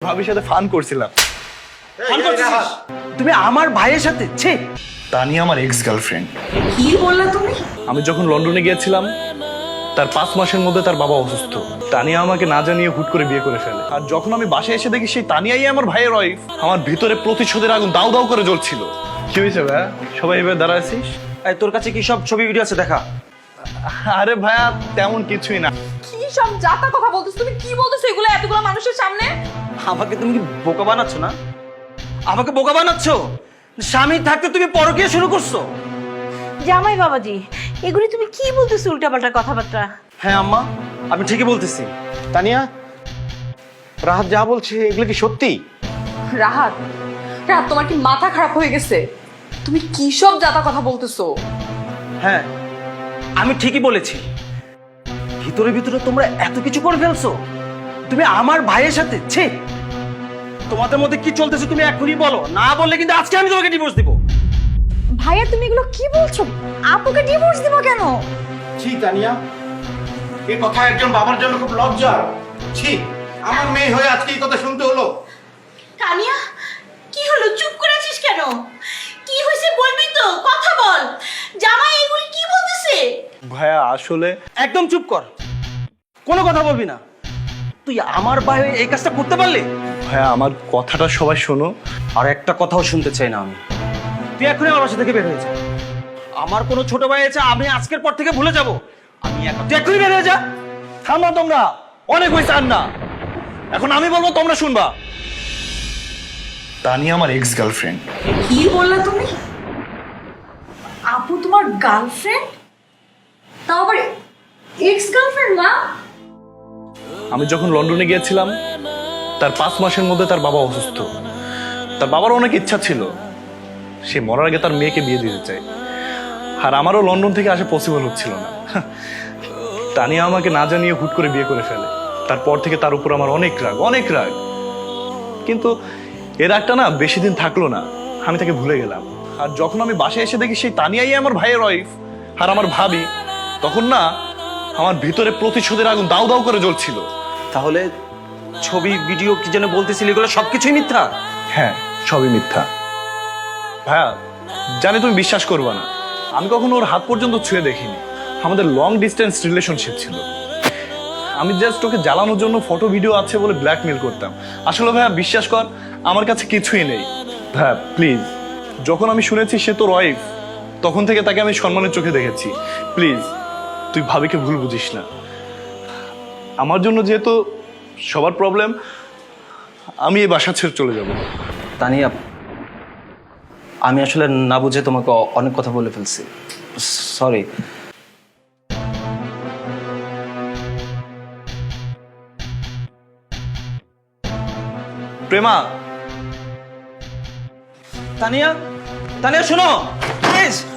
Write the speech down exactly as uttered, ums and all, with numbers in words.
ভাবির সাথে ফান করছিলাম। ফান করছিস তুমি আমার ভাইয়ের সাথে? ছি, তানিয়া আমার এক্স গার্লফ্রেন্ড। কি বললা তুমি? আমি যখন লন্ডনে গিয়েছিলাম তার পাঁচ মাসের মধ্যে তার বাবা অসুস্থ। তানিয়া আমাকে না জানিয়ে হুট করে বিয়ে করে ফেলে। আর যখন আমি বাসায় এসে দেখি সেই তানিয়াই আমার ভাইয়ের ওয়াইফ, আমার ভিতরে প্রতিশোধের আগুন দাউ দাউ করে জ্বলছিল। কি হয়েছে ভাইয়া, সবাই এবার দাঁড়াইছিস? এই তোর কাছে কি সব ছবি ভিডিও আছে দেখা? আরে ভাইয়া তেমন কিছুই না। কি সব জাতা কথা বলতেছ তুমি? কি বলতেছ এগুলো এতগুলো মানুষের সামনে? আমাকে তুমি কি বোকা বানাচ্ছ না? আমাকে বোকা বানাচ্ছ? স্বামী থাকতে তুমি পরকীয়া শুরু করছো? জামাই বাবাজি, এগুলি তুমি কি বলতেছো উল্টাপাল্টা কথাবার্তা? হ্যাঁ আম্মা, আমি ঠিকই বলতেছি। তানিয়া, রাহাত যা বলছে এগুলো কি সত্যি? রাহাত, রাহাত তোমার কি মাথা খারাপ হয়ে গেছে? তুমি কি সব জাতা কথা বলতেছো? হ্যাঁ, আমি ঠিকই বলেছি। ভিতরে ভিতরে তোমরা এত কিছু করে ফেলছো তুমি আমার ভাইয়ের সাথে। ছি, তোমাদের মধ্যে কি চলতেছে তুমি এখনই বলো, না বললে কিন্তু আজকে আমি তোমাকে ডিভোর্স দিব। ভাইয়া তুমি এগুলো কি বলছো? আপুকে ডিভোর্স দিব কেন? ছি তানিয়া, এই কথা একজন বাবার জন্য খুব লজ্জা। ছি, আমার মেয়ে হয়ে আজকে এই কথা শুনতে হলো। তানিয়া, কি হলো? চুপ করে আছিস কেন? কি হয়েছে বলবি তো, কথা বল। জামাই এগুলি কি বলতেছে? ভাইয়া আসলে একদম চুপ কর, কোনো কথা বলবি না। তুই আমার ভাই হয়ে এই কাজটা করতে পারলি? ভাইয়া আমার কথাটা সবাই শোনো। আর একটা কথাও শুনতে চাই না আমি। তুই এখনই আমার বাসা থেকে বের হয়ে যা। আমার কোনো ছোট ভাই আছে আমি আজকের পর থেকে ভুলে যাব। আমি এখন তুই এখনই বের হয়ে যা। থামো তোমরা, অনেক হয়েছে আর না। এখন আমি বলবো তোমরা শুনবা। তানিয়া আমার এক্স গার্লফ্রেন্ড। কি বললা তুমি? আপু তোমার গার্লফ্রেন্ড? তাও আবার এক্স গার্লফ্রেন্ড না? আমি যখন লন্ডনে গিয়েছিলাম তার পাঁচ মাসের মধ্যে তার বাবা অসুস্থ। তার বাবার অনেক ইচ্ছা ছিল সে মরার আগে তার মেয়েকে বিয়ে দিতে চায়, আর আমারও লন্ডন থেকে আসা পসিবল হচ্ছিল না। তানিয়া আমাকে না জানিয়ে হুট করে বিয়ে করে ফেলে। তারপর থেকে তার উপর আমার অনেক রাগ, অনেক রাগ। কিন্তু এর রাগটা না বেশি দিন থাকলো না, আমি তাকে ভুলে গেলাম। আর যখন আমি বাসায় এসে দেখি সেই তানিয়াই আমার ভাইয়ের ওয়াইফ আর আমার ভাবি, তখন না আমার ভিতরে প্রতিশোধের আগুন দাউ দাউ করে জ্বলছিল। তাহলে ছবি ভিডিও কি যেন বলতেছিলি এগুলো সবকিছুই মিথ্যা? হ্যাঁ, সবই মিথ্যা। ভাইয়া জানি তুমি বিশ্বাস করবে না, আমি কখনো ওর হাত পর্যন্ত ছুঁয়ে দেখিনি। আমাদের লং ডিস্টেন্স রিলেশনশিপ ছিল। আমি জাস্ট ওকে জ্বালানোর জন্য ফটো ভিডিও আছে বলে ব্ল্যাকমেল করতাম। আসলে ভাইয়া বিশ্বাস কর, আমার কাছে কিছুই নেই। ভাইয়া প্লিজ, যখন আমি শুনেছি সে তোর ওয়াইফ, তখন থেকে তাকে আমি সম্মানের চোখে দেখেছি। প্লিজ তুই ভাবিকে ভুল বুঝিস না। আমার জন্য যেহেতু সবার প্রবলেম, আমি এই বাসা ছেড়ে চলে যাব। তানিয়া, আমি আসলে না বুঝে তোমাকে অ- অনেক কথা বলে ফেলছি, সরি। প্রেমা, তানিয়া, তানিয়া শোনো প্লিজ।